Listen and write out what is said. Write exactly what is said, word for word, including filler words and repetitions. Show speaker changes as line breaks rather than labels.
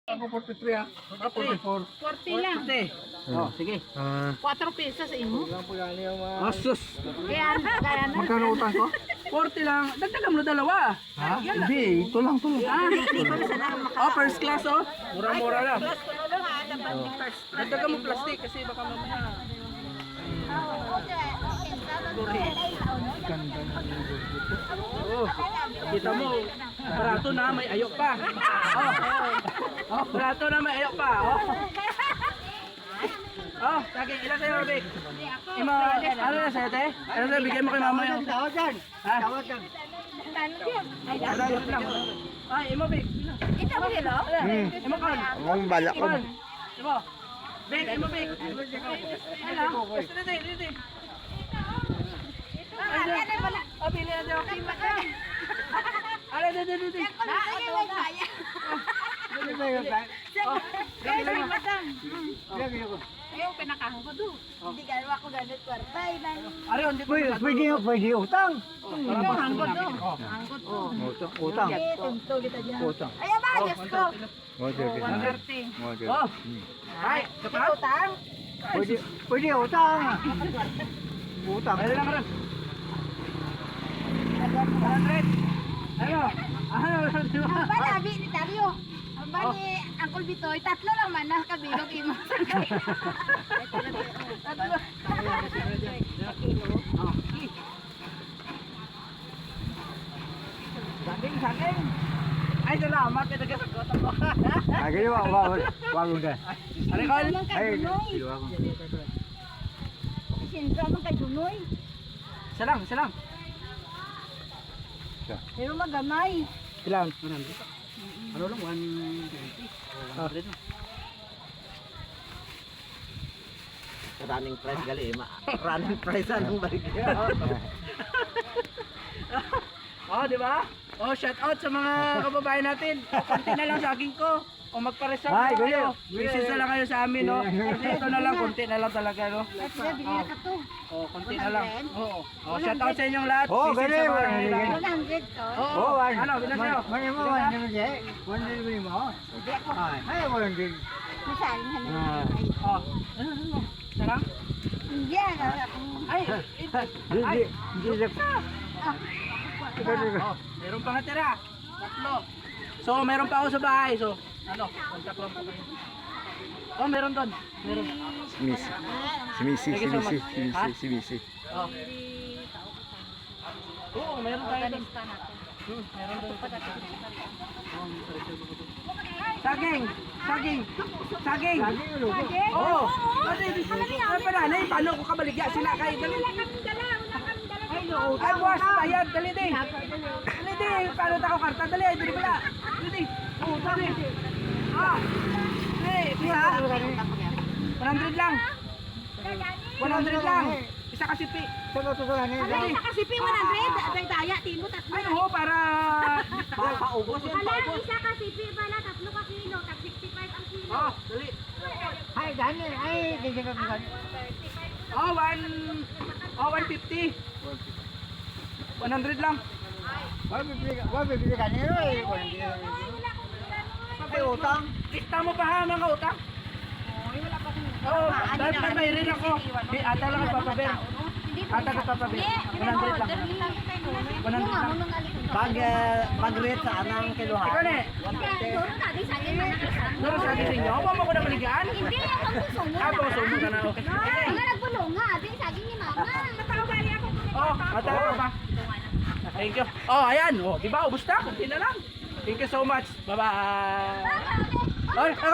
Ako forty-three ah. Ah, forty-four.
forty lang.
Oh, sige.
Ah,
four pesos sa imo.
Oh, sus.
Kaya kaya na.
Magkano utang ko?
forty lang. Dagdagan mo na dalawa.
Ha? Hindi, ito lang, ito lang.
Ah, oh, first class oh. Mura-mura lang.
Plus ko lang ha, dapat ni first.
Dagdagan mo plastic kasi baka mamaya. Oh, kita mo. Barato na may ayok pa. Oh. Oh, barato na may ayok pa. Oh. Oh, sige, ilan sa'yo, Big? Imo, ano na sa'yo, te? Ano sa'yo, bigay mo kay mama yung...
Tawag yan.
Ha?
Tawag yan.
Madalot lang. Ay, imo, Big.
Ito mo nilo?
hmm.
Imo, Con.
Ang balak ko.
Con. Imo. Big, imo, Big. Ano? Gusto na, te, dito, te. Ano? Oh, pili na tayo. Ano, dito, dito, dito.
Ayaw, pinakahan ko doon. Hindi gano'n ako ganit kwartay.
Ari, hindi ko
Pwede, pwede, pwede utang.
Ito, hanggot doon. Hanggot doon.
Utang. Utang.
Tunto kita dyan.
Utang.
Ayaw ba, Diyos ko.
Water.
one thirty.
Water.
Oh. Ay, kapag.
Utang?
Pwede, pwede utang. Utang.
Ayun lang rin. one hundred. Ano? Ano?
Ang ba, nabi ni Dario? Ang ba ni Uncle Bitoy? Tatlo lang man na kabilog imo. Tatlo.
Saging, saging. Ay, salamat. Ito ka sagot ako.
Ay, ganyan, wag, wag, wag, wag.
Ano, Col?
Ang kay Dunoy. Sintra man kay Dunoy.
Isa lang, isa lang.
Pero magamay.
Ilan? one hundred. Ano lang? one twenty. one hundred.
Running price gali eh. Ma- running price anong baligya.
Oh, di ba? Oh, shout out sa mga kababayan natin. O, konti na lang saging ko. O magpa-reserve
Ay,
na kayo.
ganyan.
Visit na lang kayo sa amin, no? Kasi ito na lang, konti na lang talaga, no?
Sige, bigyan ka to.
Oh, konti na lang. Oo. Oh, shout out sa inyong lahat.
Oh,
Visit
ganyan,
sa mga
ganyan,
kailangan.
ganyan.
one hundred to.
Oo.
Oh, one.
Ano, bilang sa'yo?
Man, man, man, man, man, man, one delivery mo.
Hindi ako.
Ay, ay, one delivery.
Masaling
Ah.
hanin.
Oh. Ano, ano? Isa lang?
Hindi, ano ako.
Ay, ito.
Hindi,
Ay,
hindi, hindi.
Ah,
oh, meron pa nga tira. Tatlo. So, meron pa ako sa bahay. So, ano, kontak lang po kayo. Oh, meron doon. Meron.
Si Missy. Si Missy, si Missy, si Missy, si Missy.
Oh. Oo, meron tayo doon.
Palista natin.
Hmm, meron doon. Oh, may pa-reserve ako doon. Saging! Saging! Saging!
Lagi yung luto.
Oo! Kasi, ay pa nanay, paano ko kabaligya sila kayo? Dali. Ay, buwas, bayad, dali di. Dali di, paano tako karta? Dali, dali pala. Dali di. Oo, dali. Ah! Dali, isa. one hundred lang. one hundred lang. Isa kasi pi.
Sagot ko lang eh.
Dali.
Kasi P one hundred, atay daya, timo tatlo.
Ay, oo, para...
Para paubos yun, paubos.
Isa kasi P pala, tatlo ka kilo, tag sixty-five ang kilo.
Oh, dali.
Ay, Dani, ay, hindi ka ka.
Oh, one... Oh, one fifty. one hundred lang.
Wag bibili ka, wag bibili ka nilo eh. Ay, utang.
Lista mo pa ha, mga utang. Oo, dahil pa may rin ako. Di, ata lang ang papabel. Ata ka papabel. one hundred lang. one hundred lang.
Pag, uh, pag-rate sa anang kiluhan.
Ikaw ne, nuro sa akin ninyo. Ako mo ko na maligaan.
Hindi, ang puso mo
Ah, baka sumo ka na. Okay.
Ang nagbulong nga, ating saging ni mama. Matawag ako.
Oh, ata ka pa. Thank you. Oh, ayan. Oh, di ba? Ubus na. Kunti na lang. Thank you so much. Bye-bye. Oh,